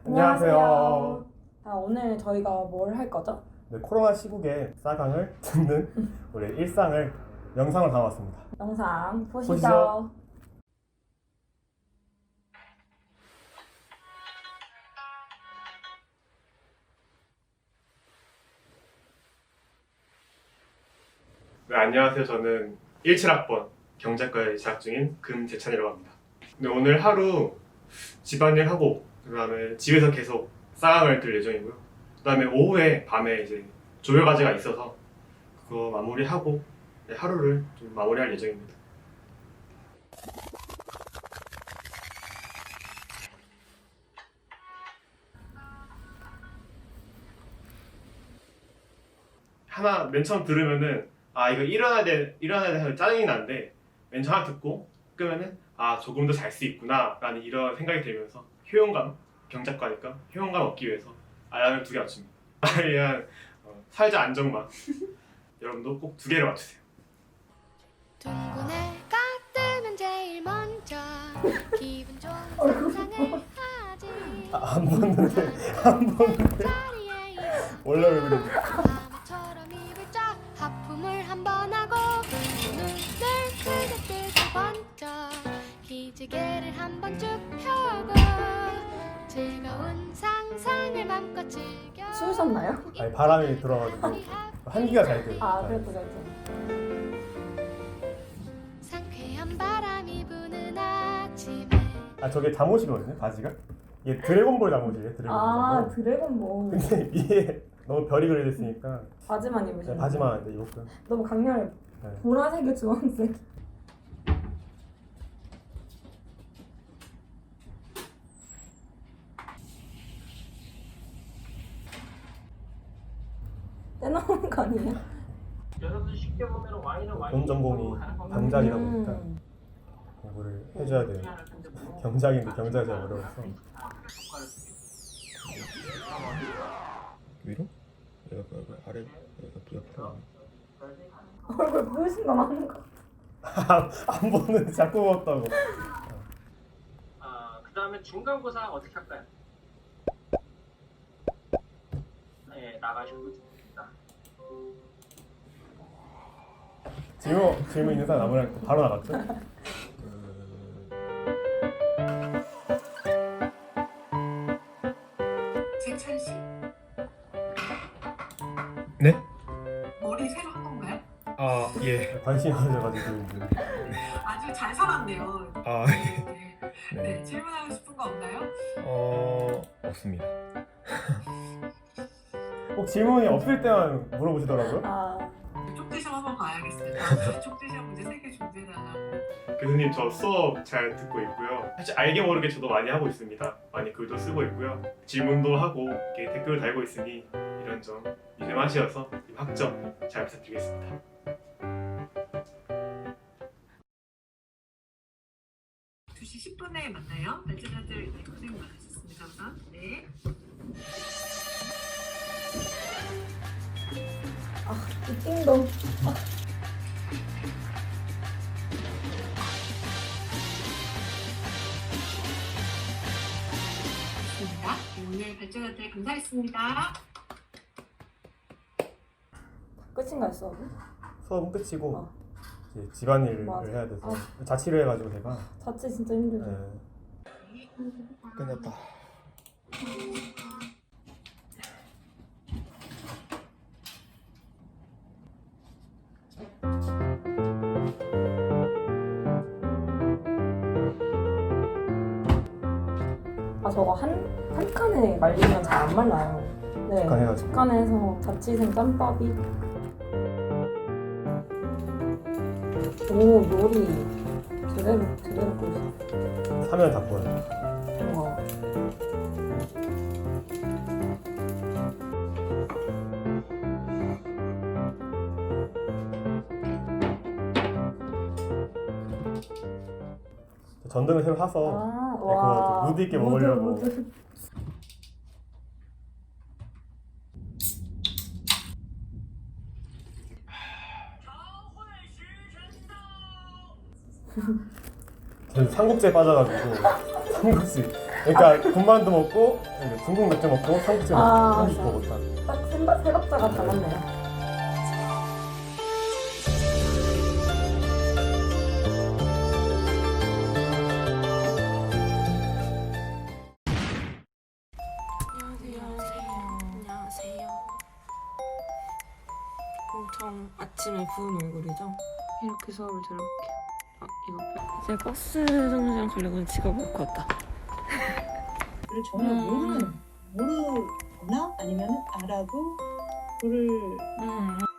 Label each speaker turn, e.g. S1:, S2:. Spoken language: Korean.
S1: 안녕하세요.
S2: 오늘 저희가 뭘 할 거죠?
S1: 네, 코로나 시국에 싸강을 듣는 우리 일상을 영상으로 담았습니다.
S2: 영상 보시죠.
S1: 보시죠. 네, 안녕하세요. 저는 17학번 경제과에 재학 중인 금재찬이라고 합니다. 네, 오늘 하루 집안일 하고 그다음에 집에서 계속 싸강을 들 예정이고요. 그다음에 오후에 밤에 이제 조별 과제가 있어서 그거 마무리하고 하루를 좀 마무리할 예정입니다. 하나 맨 처음 들으면은 이거 일어나야 돼 하는 짜증이 나는데 맨 처음 하나 듣고 끄면은 조금 더 잘 수 있구나 라는 이런 생각이 들면서 효용감, 경작과니까 효용감 얻기 위해서 알람을 2개 맞춥니다. 나에 대한 사회적 안정망 여러분도 꼭 2개를 맞추세요.
S3: 둥근 해가 뜨면 제일 먼저 기분 좋은 상상을 하지.
S1: 안 보는데 원래 왜 그래?
S3: 바보처럼 입을 쫙 하품을 한번 하고 눈을 크게 뜨고 번쩍 기지개를 한번 쭉 펴고 즐거운 상상을 맘껏 즐겨.
S2: 추우셨나요?
S1: 아니, 바람이 들어가지고 한기가 잘 돼요.
S2: 그래도.
S3: 상쾌한 바람이 부는 아침에
S1: 저게 잠옷이거든요, 바지가. 이게 드래곤볼 잠옷이에요, 드래곤볼.
S2: 드래곤볼.
S1: 근데 위에 너무 별이 그려져 있으니까
S2: 바지만 입으시는
S1: 바지만 이제 입었고요.
S2: 너무 강렬해.
S1: 네.
S2: 보라색에 주황색. 떼나오는 거 아니에요?
S4: 여러분 쉽게 보면 와인은 와인.
S1: 본 전공이 경작이다 보니까 공부를 해줘야 돼요. 경작인데 경작이 잘 어려워서. 위로? 여기 아래 여기 옆으로.
S2: 얼굴 부으신 거 맞는 거.
S1: 안 보는데 자꾸 먹었다고.
S4: 그다음에 중간고사 어떻게 할까요? 네, 나가시고 있습니다.
S1: 질문 있는 사람 아무나 바로 나갔죠?
S5: 재찬 씨,
S1: 네?
S5: 머리 새로 한 건가요?
S1: 예. 관심이 가져가지고 이제.
S5: 아주 잘 살았네요.
S1: 예.
S5: 네. 네, 질문하고 싶은 거 없나요?
S1: 없습니다. 꼭 질문이 없을 때만 물어보시더라고요.
S5: 쪽지 시험 한번 봐야겠습니다. 쪽지 시험 문제 3개 준비해달라고.
S1: 교수님, 저 수업 잘 듣고 있고요. 사실 알게 모르게 저도 많이 하고 있습니다. 많이 글도 쓰고 있고요. 질문도 하고 이렇게 댓글을 달고 있으니 이런 점 유념하시어서 학점 잘 부탁드리겠습니다.
S5: 두 시 10분에 만나요. 발제자들 고생 많으셨습니다. 우선. 네.
S2: 이 띵동.
S5: 좋습니다. 오늘 발제자들 감사했습니다.
S2: 끝인가요, 수업은?
S1: 수업은 끝이고
S2: 어.
S1: 이제 집안일을
S2: 맞아.
S1: 해야 돼서 자취를 해가지고 제가
S2: 자취 진짜 힘들죠.
S1: 끝났다.
S2: 저거 한 칸에 말리면 잘 안 말라요. 네.
S1: 한 칸 해가지고.
S2: 두 칸에 해서 자취생 짬밥이. 오, 요리 제대로 끓이시.
S1: 사면 다 보여요.
S2: 우와.
S1: 전등을 새로 사서 그거 좀 무드 있게 먹으려고.
S2: 무드.
S1: 저는 삼국지에 빠져가지고 삼국지 그러니까 군만두 먹고 중국 맥주 먹고 삼겹살 먹고
S2: 아,
S1: 한식 먹었다.
S2: 딱 세 박자가 다 맞네요.
S6: 안녕하세요. 엄청 아침에 부은 얼굴이죠? 이렇게 수업을 들어볼게요. 이제 버스 정류장 가려고 지갑 놓고 왔다.
S7: 를 전혀 모르거나 아니면 알아도 그를